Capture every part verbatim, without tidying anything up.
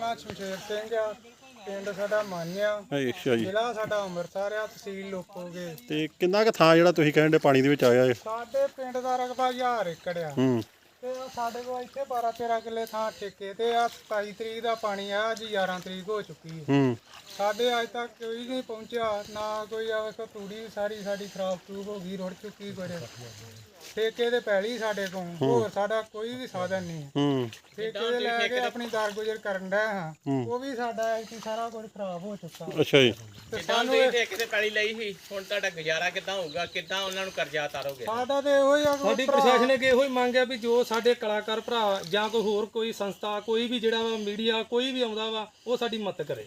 ਨਾਂ ਸ਼ਮਸ਼ੇਰ ਸਿੰਘ ਆ, ਪਿੰਡ ਸਾਡਾ ਮਾਨਿਆ, ਅੱਛਾ ਜੀ। ਜ਼ਿਲ੍ਹਾ ਸਾਡਾ ਅੰਮ੍ਰਿਤਸਰ ਆ, ਤਹਿਸੀਲ ਲੋਪੋਗੇ। ਤੇ ਕਿੰਨਾ ਕੁ ਥਾਂ ਜਿਹੜਾ ਤੁਸੀਂ ਕਹਿੰਦੇ ਪਾਣੀ ਦੇ ਵਿੱਚ ਆਇਆ ਹੈ? ਸਾਡੇ ਪਿੰਡ ਦਾ ਰਕਬਾ ਹਜ਼ਾਰ ਏਕੜ ਆ ਹੂੰ ਤੇ ਸਾਡੇ ਕੋਲ ਇੱਥੇ ਬਾਰਾਂ ਤੇਰਾਂ ਕਿੱਲੇ ਥਾਂ ਠੇਕੇ ਤੇ ਆ। ਸਤਾਈ ਤਰੀਕ ਦਾ ਪਾਣੀ ਆ, ਅੱਜ ਗਿਆਰਾਂ ਤਰੀਕ ਹੋ ਚੁੱਕੀ ਹੈ। ਹੂੰ ਸਾਡੇ ਅੱਜ ਤੱਕ ਕੋਈ ਨਹੀਂ ਪਹੁੰਚਿਆ, ਨਾ ਕੋਈ ਆ ਵੇਖੋ ਤੂੜੀ ਸਾਰੀ ਸਾਡੀ ਖਰਾਬ ਖਰੂਬ ਹੋ ਗਈ, ਰੁੜ ਚੁੱਕੀ। ਕੋਈ ਠੇਕੇ ਤੇ ਪੈਲੀ ਸਾਡੇ ਕੋਲ, ਹੋਰ ਸਾਡਾ ਕੋਈ ਵੀ ਸਾਧਨ ਨਹੀਂ। ਹੂੰ ਠੇਕੇ ਦੇ ਲੈ ਕੇ ਆਪਣੀ ਦਰ ਗੁਜ਼ਰ ਕਰਨ ਡਿਆ ਹਾਂ, ਉਹ ਵੀ ਸਾਡਾ ਇੱਥੇ ਸਾਰਾ ਕੁਝ ਖਰਾਬ ਹੋ ਚੁੱਕਾ। ਅੱਛਾ ਜੀ। ਤੇ ਸਾਨੂੰ ਇਹ ਠੇਕੇ ਤੇ ਪੈਲੀ ਲਈ ਸੀ, ਹੁਣ ਤੁਹਾਡਾ ਗੁਜ਼ਾਰਾ ਕਿੱਦਾਂ ਹੋਊਗਾ? ਕਿੱਦਾਂ ਉਹਨਾਂ ਨੂੰ ਕਰਜ਼ਾ ਉਤਾਰੋਗੇ? ਸਾਡਾ ਤੇ ਇਹੋ ਹੀ ਆ, ਸਾਡੀ ਪ੍ਰਸ਼ਾਸਨ ਅੱਗੇ ਇਹੋ ਹੀ ਮੰਗ ਹੈ ਵੀ ਜੋ ਸਾਡੇ ਕਲਾਕਾਰ ਭਰਾ ਜਾਂ ਕੋਈ ਹੋਰ ਕੋਈ ਸੰਸਥਾ, ਕੋਈ ਵੀ ਜਿਹੜਾ ਵਾ ਮੀਡੀਆ ਕੋਈ ਵੀ ਆਉਂਦਾ ਵਾ, ਉਹ ਸਾਡੀ ਮਦਦ ਕਰੇ।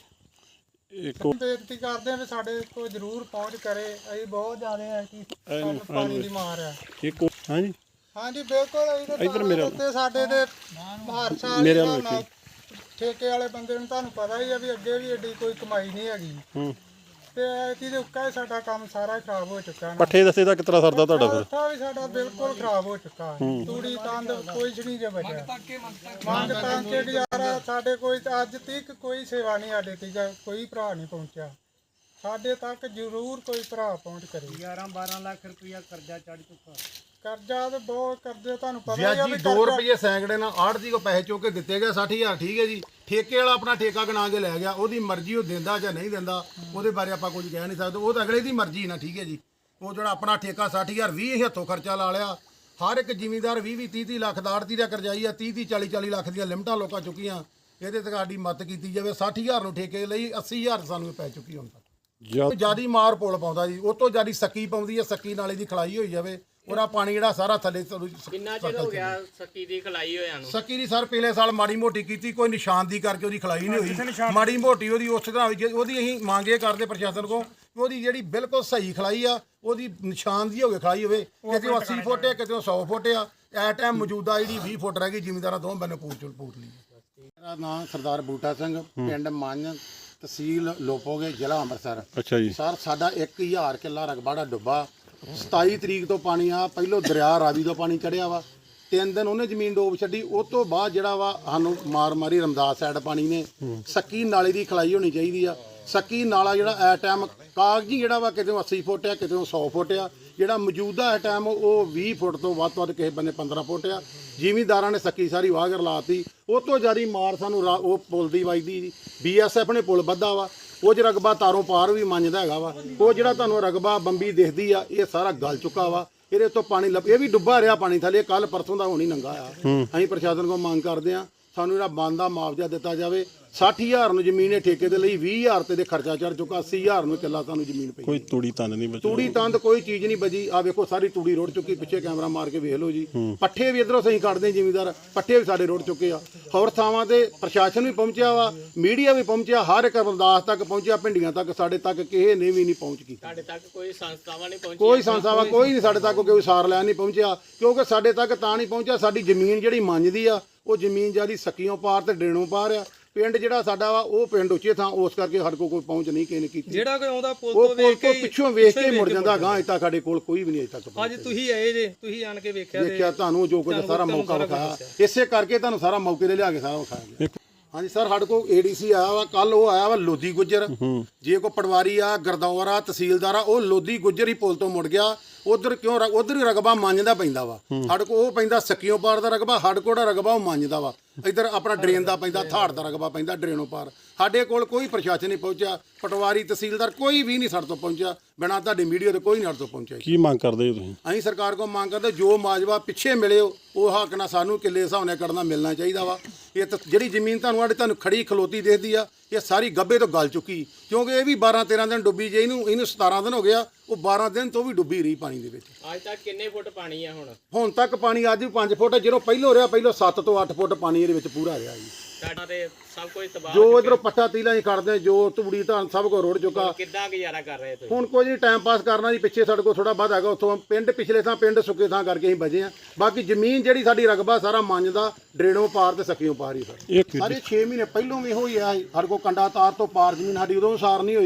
ਇੱਕ ਬੇਨਤੀ ਕਰਦੇ ਆ ਵੀ ਸਾਡੇ ਕੋਲ ਜ਼ਰੂਰ ਪਹੁੰਚ ਕਰੇ। ਅਸੀਂ ਬਹੁਤ ਜ਼ਿਆਦਾ ਹੈ ਕਿ ਸਾਨੂੰ ਪਾਣੀ ਦੀ ਮਾਰ ਆ। ਇੱਕ ਹਾਂਜੀ ਹਾਂਜੀ ਬਿਲਕੁਲ। ਅਸੀਂ ਇੱਧਰ ਮੇਰੇ ਤੇ ਸਾਡੇ ਤੇ ਹਰ ਸਾਲ ਮੇਰੇ ਇਹਨਾਂ ਵੱਲ ਨਾਲ ਠੇਕੇ ਵਾਲੇ ਬੰਦੇ ਨੂੰ ਤੁਹਾਨੂੰ ਪਤਾ ਹੀ ਆ ਵੀ ਅੱਗੇ ਵੀ ਏਡੀ ਕੋਈ ਕਮਾਈ ਨਹੀਂ ਹੈਗੀ। ਹੂੰ ਤੇ ਐਤੀ ਦੇ ਉੱਕਾ ਹੀ ਸਾਡਾ ਕੰਮ ਸਾਰਾ ਖਰਾਬ ਹੋ ਚੁੱਕਾ ਨਾ। ਪੱਠੇ ਦੱਸੇ ਦਾ ਕਿਤਨਾ ਸਰਦਾ ਤੁਹਾਡਾ ਫਿਰ? ਉੱਥਾ ਵੀ ਸਾਡਾ ਬਿਲਕੁਲ ਖਰਾਬ ਹੋ ਚੁੱਕਾ ਹੈ। ਤੂੜੀ ਤੰਦ ਕੋਈ ਨਹੀਂ ਜੇ ਬਚਿਆ। ਮੰਗ ਤਾਂ ਕੇ ਗੁਜ਼ਾਰਾ ਸਾਡੇ ਕੋਈ ਅੱਜ ਤੱਕ ਕੋਈ ਸੇਵਾ ਨਹੀਂ, ਸਾਡੇ ਤੱਕ ਕੋਈ ਭਰਾ ਨਹੀਂ ਪਹੁੰਚਿਆ। ਸਾਡੇ ਤੱਕ ਜ਼ਰੂਰ ਕੋਈ ਭਰਾ ਪਹੁੰਚ ਕਰੇ। ਗਿਆਰਾਂ ਬਾਰਾਂ ਲੱਖ ਰੁਪਇਆ ਕਰਜ਼ਾ ਚੜ ਚੁੱਕਾ। ਕਰਜ਼ਾ ਤੇ ਬਹੁਤ ਕਰਜ਼ੇ ਤੁਹਾਨੂੰ ਪਤਾ ਜੀ ਹੀ ਆ ਜੀ ਵੀ ਦੋ ਰੁਪਏ ਸੈਂਕੜੇ ਨਾਲ ਆੜ੍ਹਤੀ ਕੋ ਪੈਸੇ ਚੁੱਕ ਕੇ ਦਿੱਤੇ ਗਏ ਸੱਠ ਹਜ਼ਾਰ। ਠੀਕ ਹੈ ਜੀ, ਠੇਕੇ ਵਾਲਾ ਆਪਣਾ ਠੇਕਾ ਗਣਾ ਕੇ ਲੈ ਗਿਆ, ਉਹਦੀ ਮਰਜ਼ੀ, ਉਹ ਦਿੰਦਾ ਜਾਂ ਨਹੀਂ ਦਿੰਦਾ ਉਹਦੇ ਬਾਰੇ ਆਪਾਂ ਕੁਝ ਕਹਿ ਨਹੀਂ ਸਕਦੇ, ਉਹ ਤਾਂ ਅਗਲੇ ਦੀ ਮਰਜ਼ੀ ਨਾ। ਠੀਕ ਹੈ ਜੀ, ਉਹ ਜਿਹੜਾ ਆਪਣਾ ਠੇਕਾ ਸੱਠ ਹਜ਼ਾਰ ਵੀਹ ਹੱਥੋਂ ਖਰਚਾ ਲਾ ਲਿਆ। ਹਰ ਇੱਕ ਜ਼ਿਮੀਂਦਾਰ ਵੀਹ ਵੀਹ ਤੀਹ ਤੀਹ ਲੱਖ ਦਾ ਆੜ੍ਹਤੀ ਦਾ ਕਰਜ਼ਾਈ ਆ, ਤੀਹ ਤੀਹ ਚਾਲੀ ਚਾਲੀ ਲੱਖ ਦੀਆਂ ਲਿਮਟਾਂ ਲੋਕਾਂ ਚੁੱਕੀਆਂ। ਇਹਦੇ ਤੇ ਸਾਡੀ ਮਦਦ ਕੀਤੀ ਜਾਵੇ। ਸੱਠ ਹਜ਼ਾਰ ਨੂੰ ਠੇਕੇ ਲਈ ਅੱਸੀ ਹਜ਼ਾਰ ਸਾਨੂੰ ਪੈ ਚੁੱਕੀ ਹੁਣ ਤੱਕ। ਜਿਆਦੀ ਮਾਰ ਪੁਲ ਪਾਉਂਦਾ ਜੀ, ਉਹ ਤੋਂ ਜਿਆਦੀ ਸੱਕੀ ਪਾਉਂਦੀ ਹੈ। ਸੱਕੀ ਨਾਲੇ ਦੀ ਖਲਾਈ ਹੋਈ ਜਾਵੇ, ਉਹਦਾ ਪਾਣੀ ਜਿਹੜਾ ਸਾਰਾ ਥੱਲੇ। ਕਿੰਨਾ ਚਿਰ ਹੋ ਗਿਆ ਸੱਕੀ ਦੀ ਖਲਾਈ ਹੋਇਆ ਨੂੰ? ਸੱਕੀ ਦੀ ਸਰ ਪਿਛਲੇ ਸਾਲ ਮਾੜੀ ਮੋਟੀ ਕੀਤੀ, ਕੋਈ ਨਿਸ਼ਾਨਦੀ ਕਰਕੇ ਉਹਦੀ ਖਲਾਈ ਨਹੀਂ ਹੋਈ। ਮਾੜੀ ਮੋਟੀ ਉਹਦੀ ਉਸ ਤਰ੍ਹਾਂ ਹੋਈ, ਉਹਦੀ ਅਸੀਂ ਮੰਗ ਇਹ ਕਰਦੇ ਪ੍ਰਸ਼ਾਸਨ ਕੋਲ ਕਿ ਉਹਦੀ ਜਿਹੜੀ ਬਿਲਕੁਲ ਸਹੀ ਖਲਾਈ ਆ, ਉਹਦੀ ਨਿਸ਼ਾਨਦੀ ਹੋ ਕੇ ਖਲਾਈ ਹੋਵੇ। ਕਿਤੇ ਅੱਸੀ ਫੁੱਟ ਹੈ, ਕਿਤੇ ਸੌ ਫੁੱਟ ਆ। ਐ ਟਾਈਮ ਮੌਜੂਦਾ ਜਿਹੜੀ ਵੀਹ ਫੁੱਟ ਰਹਿ ਗਈ, ਜ਼ਿਮੀਂਦਾਰਾਂ ਦੋਵੇਂ ਬੰਨੇ ਪੂਰ ਪੂਰ ਲਈ। ਮੇਰਾ ਨਾਮ ਸਰਦਾਰ ਬੂਟਾ ਸਿੰਘ, ਪਿੰਡ ਮੰਨ, ਤਹਿਸੀਲ ਲੋਪੋਗੇ, ਜ਼ਿਲ੍ਹਾ ਅੰਮ੍ਰਿਤਸਰ। ਅੱਛਾ ਜੀ। ਸਰ ਸਾਡਾ ਇੱਕ ਹਜ਼ਾਰ ਕਿੱਲਾ ਰਕਬਾ ਦਾ ਡੁੱਬਾ। ਸਤਾਈ ਤਰੀਕ ਤੋਂ ਪਾਣੀ ਆ, ਪਹਿਲੋਂ ਦਰਿਆ ਰਾਵੀ ਤੋਂ ਪਾਣੀ ਚੜਿਆ ਵਾ, ਤਿੰਨ ਦਿਨ ਉਹਨੇ ਜ਼ਮੀਨ ਡੋਬ ਛੱਡੀ। ਉਹ ਤੋਂ ਬਾਅਦ ਜਿਹੜਾ ਵਾ ਸਾਨੂੰ ਮਾਰ ਮਾਰੀ ਰਮਦਾਸ ਸਾਈਡ ਪਾਣੀ ਨੇ। ਸੱਕੀ ਨਾਲੇ ਦੀ ਖਲਾਈ ਹੋਣੀ ਚਾਹੀਦੀ ਆ। ਸੱਕੀ ਨਾਲਾ ਜਿਹੜਾ ਐ ਟਾਈਮ ਕਾਗਜੀ ਜਿਹੜਾ ਵਾ, ਕਿਤੇ ਅੱਸੀ ਫੁੱਟ ਆ, ਕਿਤੇ ਸੌ ਫੁੱਟ ਆ। ਜਿਹੜਾ ਮੌਜੂਦਾ ਐ ਟਾਈਮ ਉਹ ਵੀਹ ਫੁੱਟ ਤੋਂ ਵੱਧ ਤੋਂ ਵੱਧ, ਕਿਸੇ ਬੰਨੇ ਪੰਦਰਾਂ ਫੁੱਟ ਆ। ਜ਼ਿਮੀਂਦਾਰਾਂ ਨੇ ਸੱਕੀ ਸਾਰੀ ਵਾਗਰ ਲਾਤੀ। ਉਹ ਤੋਂ ਜ਼ਿਆਦਾ ਮਾਰ ਸਾਨੂੰ ਉਹ ਪੁਲ ਦੀ ਵੱਜਦੀ। ਬੀ ਐਸ ਐਫ ਨੇ ਪੁਲ ਬੱਧਾ ਵਾ, ਉਹ 'ਚ ਰਕਬਾ ਤਾਰੋਂ ਪਾਰ ਵੀ ਮੰਨਦਾ ਹੈਗਾ ਵਾ। ਉਹ ਜਿਹੜਾ ਤੁਹਾਨੂੰ ਰਕਬਾ ਬੰਬੀ ਦਿਖਦੀ ਆ, ਇਹ ਸਾਰਾ ਗਲ ਚੁੱਕਾ ਵਾ। ਇਹਦੇ ਤੋਂ ਪਾਣੀ ਲੱਭ, ਇਹ ਵੀ ਡੁੱਬਾ ਰਿਹਾ ਪਾਣੀ ਥੱਲੇ। ਕੱਲ ਪਰਸੋਂ ਦਾ ਹੋਣੀ ਨੰਗਾ ਆ। ਅਸੀਂ ਪ੍ਰਸ਼ਾਸਨ ਕੋਲ ਮੰਗ ਕਰਦੇ ਆ ਸਾਨੂੰ ਜਿਹੜਾ ਬਣਦਾ ਮੁਆਵਜ਼ਾ ਦਿੱਤਾ ਜਾਵੇ। ਸੱਠ ਹਜ਼ਾਰ ਨੂੰ ਜ਼ਮੀਨ ਇਹ ਠੇਕੇ ਦੇ ਲਈ, ਵੀਹ ਹਜ਼ਾਰ ਤੇ ਦੇ ਖਰਚਾ ਚੜ ਚੁੱਕਾ, ਅੱਸੀ ਹਜ਼ਾਰ ਨੂੰ ਕਿੱਲਾ ਸਾਨੂੰ ਜ਼ਮੀਨ ਪਈ। ਕੋਈ ਤੂੜੀ ਤੰਦ ਨਹੀਂ ਬਚੀ? ਤੂੜੀ ਤੰਦ ਕੋਈ ਚੀਜ਼ ਨਹੀਂ ਬਚੀ। ਆ ਵੇਖੋ ਸਾਰੀ ਤੂੜੀ ਰੁੜ ਚੁੱਕੀ, ਪਿੱਛੇ ਕੈਮਰਾ ਮਾਰ ਕੇ ਵੇਖ ਲਓ ਜੀ। ਪੱਠੇ ਵੀ ਇਧਰੋਂ ਸਹੀ ਕੱਢਦੇ ਜ਼ਿਮੀਂਦਾਰ, ਪੱਠੇ ਵੀ ਸਾਡੇ ਰੁੜ ਚੁੱਕੇ ਆ। ਹੋਰ ਥਾਵਾਂ ਤੇ ਪ੍ਰਸ਼ਾਸਨ ਵੀ ਪਹੁੰਚਿਆ ਵਾ, ਮੀਡੀਆ ਵੀ ਪਹੁੰਚਿਆ, ਹਰ ਇੱਕ ਅਰਦਾਸ ਤੱਕ ਪਹੁੰਚਿਆ, ਪਿੰਡੀਆਂ ਤੱਕ। ਸਾਡੇ ਤੱਕ ਕਿਸੇ ਨੇ ਵੀ ਨਹੀਂ ਪਹੁੰਚ ਕੀਤੀ। ਸਾਡੇ ਤੱਕ ਕੋਈ ਸੰਸਥਾਵਾਂ ਨਹੀਂ ਪਹੁੰਚੀ? ਕੋਈ ਸੰਸਥਾਵਾਂ ਕੋਈ ਨਹੀਂ ਸਾਡੇ ਤੱਕ, ਕੋਈ ਸਾਰ ਲੈਣ ਨਹੀਂ ਪਹੁੰਚਿਆ। ਕਿਉਂਕਿ ਸਾਡੇ ਤੱਕ ਤਾਂ ਨਹੀਂ ਪਹੁੰਚਿਆ, ਸਾਡੀ ਜ਼ਮੀਨ ਜਿਹੜੀ ਮੰਜਦੀ ਆ, ਉਹ ਜ਼ਮੀਨ ਜਿਆਦੀ ਸੱਕੀਓਂ ਪਾਰ ਤੇ ਡੇਣੋਂ ਪਾਰ ਆ। ਪਿੰਡ ਜਿਹੜਾ ਸਾਡਾ ਵਾ ਉਹ ਪਿੰਡ ਉੱਚੇ ਥਾਂ, ਉਸ ਕਰਕੇ ਸਾਡੇ ਕੋਲ ਕੋਈ ਪਹੁੰਚ ਨਹੀਂ ਕਿਸੇ ਨੇ ਕੀਤੀ। ਜਿਹੜਾ ਕੋਈ ਆਉਂਦਾ ਪੁਲ ਉਹ ਤੋਂ ਪੁਲ ਵੇਖ ਤੋਂ ਕੇ ਪਿੱਛੋਂ ਵੇਖ ਕੇ ਮੁੜ ਜਾਂਦਾ। ਗਾਂ ਅਜੇ ਤੱਕ ਸਾਡੇ ਕੋਲ ਕੋਈ ਵੀ ਨਹੀਂ ਅਜੇ ਤੱਕ ਅੱਜ ਤੁਸੀਂ ਆਏ ਜੇ, ਤੁਸੀਂ ਆਣ ਕੇ ਵੇਖਿਆ ਦੇਖਿਆ। ਤੁਹਾਨੂੰ ਜੋ ਕੁਝ ਸਾਰਾ ਮੌਕਾ ਵਿਖਾਇਆ, ਇਸੇ ਕਰਕੇ ਤੁਹਾਨੂੰ ਸਾਰਾ ਮੌਕੇ ਤੇ ਲਿਆ ਕੇ ਸਾਰਾ ਵਿਖਾਇਆ ਗਿਆ। ਹਾਂਜੀ ਸਰ, ਸਾਡੇ ਕੋਲ ਏ ਡੀ ਸੀ ਆਇਆ ਵਾ ਕੱਲ। ਉਹ ਆਇਆ ਵਾ ਲੋਧੀ ਗੁੱਜਰ। ਜੇ ਕੋਈ ਪਟਵਾਰੀ ਆ, ਗਰਦੌਰ ਆ, ਤਹਿਸੀਲਦਾਰ ਆ, ਉਹ ਲੋਧੀ ਗੁੱਜਰ ਹੀ ਪੁਲ ਤੋਂ ਮੁੜ ਗਿਆ। ਉਧਰ ਕਿਉਂ? ਉਧਰ ਹੀ ਰਕਬਾ ਮੰਨਦਾ ਪੈਂਦਾ ਵਾ। ਸਾਡੇ ਕੋਲ ਉਹ ਪੈਂਦਾ ਸੱਕੀਓਂ ਪਾਰ ਦਾ ਰਕਬਾ, ਸਾਡੇ ਕੋਲ ਦਾ ਰਕਬਾ ਉਹ ਮੰਨਦਾ ਵਾ। ਇੱਧਰ ਆਪਣਾ ਡਰੇਨ ਦਾ ਪੈਂਦਾ, ਥਾੜ ਦਾ ਰਕਬਾ ਪੈਂਦਾ ਡਰੇਨੋਂ ਪਾਰ। ਸਾਡੇ ਕੋਲ ਕੋਈ ਪ੍ਰਸ਼ਾਸਨ ਨਹੀਂ ਪਹੁੰਚਿਆ, ਪਟਵਾਰੀ, ਤਹਿਸੀਲਦਾਰ ਕੋਈ ਵੀ ਨਹੀਂ ਸਾਡੇ ਤੋਂ ਪਹੁੰਚਿਆ। ਬਿਨਾਂ ਤੁਹਾਡੀ ਮੀਡੀਆ ਤੇ ਕੋਈ ਨਹੀਂ ਸਾਡੇ ਤੋਂ ਪਹੁੰਚਿਆ। ਕੀ ਮੰਗ ਕਰਦੇ ਹੋ ਤੁਸੀਂ? ਅਸੀਂ ਸਰਕਾਰ ਕੋਲ ਮੰਗ ਕਰਦੇ, ਜੋ ਮਾਜਵਾ ਪਿੱਛੇ ਮਿਲੇ ਉਹ ਹੱਕ ਨਾਲ ਸਾਨੂੰ ਕਿੱਲੇ ਹਿਸਾਬ ਨਾਲ ਕਰਨਾ ਮਿਲਣਾ ਚਾਹੀਦਾ ਵਾ। ਇਹ ਤਾਂ ਜਿਹੜੀ ਜ਼ਮੀਨ ਤੁਹਾਨੂੰ ਆੜੇ ਤੁਹਾਨੂੰ ਖੜੀ ਖਲੋਤੀ ਦੇਖਦੀ ਆ, ਇਹ ਸਾਰੀ ਗੱਬੇ ਤੋਂ ਗਲ ਚੁੱਕੀ। ਕਿਉਂਕਿ ਇਹ ਵੀ ਬਾਰਾਂ ਤੇਰਾਂ ਦਿਨ ਡੁੱਬੀ ਜੇ। ਇਹਨੂੰ ਇਹਨੂੰ ਸਤਾਰਾਂ ਦਿਨ ਹੋ ਗਿਆ, ਉਹ ਬਾਰਾਂ ਦਿਨ ਤੋਂ ਵੀ ਡੁੱਬੀ ਰਹੀ ਪਾਣੀ ਦੇ ਵਿੱਚ। ਅੱਜ ਤੱਕ ਕਿੰਨੇ ਫੁੱਟ ਪਾਣੀ ਆ ਹੁਣ? ਹੁਣ ਤੱਕ ਪਾਣੀ ਅੱਜ ਵੀ ਪੰਜ ਫੁੱਟ, ਜਦੋਂ ਪਹਿਲੋਂ ਰਿਹਾ ਪਹਿਲੋਂ ਸੱਤ ਤੋਂ ਅੱਠ ਫੁੱਟ ਪਾਣੀ ਇਹਦੇ ਵਿੱਚ ਪੂਰਾ ਰਿਹਾ ਜੀ। ਸਾਡਾ ਤੇ ਸਭ ਕੁਝ ਤਬਾਹ। ਜੋ ਇਧਰੋਂ ਪੱਠਾ ਤੀਲਾਂ ਹੀ ਖੜਦੇ, ਜੋ ਤੂੜੀ ਧਾਨ ਸਭ ਕੁਝ ਰੁੜ ਚੁੱਕਾ। ਕਿੱਦਾਂ ਗੁਜ਼ਾਰਾ ਕਰ ਰਹੇ ਤੁਸੀਂ? ਹੁਣ ਕੋਈ ਨਹੀਂ, ਟਾਈਮ ਪਾਸ ਕਰਨਾ ਜੀ। ਪਿੱਛੇ ਸਾਡੇ ਕੋਲ ਥੋੜਾ ਵੱਧ ਹੈਗਾ, ਉੱਥੋਂ ਪਿੰਡ ਪਿਛਲੇ ਥਾਂ ਪਿੰਡ ਸੁੱਕੇ ਥਾਂ ਕਰਕੇ ਅਸੀਂ ਬਚੇ ਆ। ਬਾਕੀ ਜ਼ਮੀਨ ਜਿਹੜੀ ਸਾਡੀ ਰਕਬਾ ਸਾਰਾ ਮੰਨਦਾ, ਡਰੇਣੋਂ ਪਾਰ ਤੇ ਸੱਕੀਓਂ ਪਾਰ ਹੀ ਸਰ। ਇੱਕ ਸਾਰੇ ਛੇ ਮਹੀਨੇ ਪਹਿਲੋਂ ਵੀ ਹੋਈ ਆ। ਸਾਡੇ ਕੋਲ ਕੰਡਾ ਤਾਰ ਤੋਂ ਪਾਰ ਜ਼ਮੀਨ ਸਾਡੀ ਉਦੋਂ ਸਾਰ ਨਹੀਂ ਹੋਈ।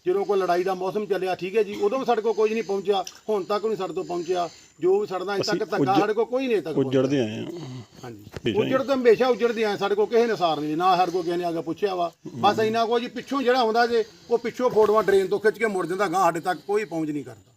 ਜਦੋਂ ਕੋਈ ਲੜਾਈ ਦਾ ਮੌਸਮ ਚੱਲਿਆ ਠੀਕ ਹੈ ਜੀ, ਉਦੋਂ ਵੀ ਸਾਡੇ ਕੋਲ ਕੁਝ ਨਹੀਂ ਪਹੁੰਚਿਆ, ਹੁਣ ਤੱਕ ਨਹੀਂ ਸਾਡੇ ਤੋਂ ਪਹੁੰਚਿਆ। ਜੋ ਵੀ ਸਾਡਾ ਅਜੇ ਤੱਕ ਧੱਕਾ ਸਾਡੇ ਕੋਲ ਕੋਈ ਨਹੀਂ ਅਜੇ ਤੱਕ ਪਹੁੰਚਿਆ। ਉੱਜੜਦੇ ਆਏ ਆ ਹਾਂਜੀ, ਉੱਜੜ ਤਾਂ ਹਮੇਸ਼ਾ ਉੱਜੜਦੇ ਆਏ, ਸਾਡੇ ਕੋਲ ਕਿਸੇ ਨੇ ਸਾਰ ਨਹੀਂ, ਨਾ ਸਾਡੇ ਕੋਲ ਕਿਸੇ ਨੇ ਆ ਕੇ ਪੁੱਛਿਆ ਵਾ। ਬਸ ਇੰਨਾ ਕੁਝ ਜੀ, ਪਿੱਛੋਂ ਜਿਹੜਾ ਹੁੰਦਾ ਜੇ ਉਹ ਪਿੱਛੋਂ ਫੋਟੋਆਂ ਡਰੇਨ ਤੋਂ ਖਿੱਚ ਕੇ ਮੁੜ ਜਾਂਦਾ, ਗਾਂ ਸਾਡੇ ਤੱਕ ਕੋਈ ਪਹੁੰਚ ਨਹੀਂ ਕਰਦਾ।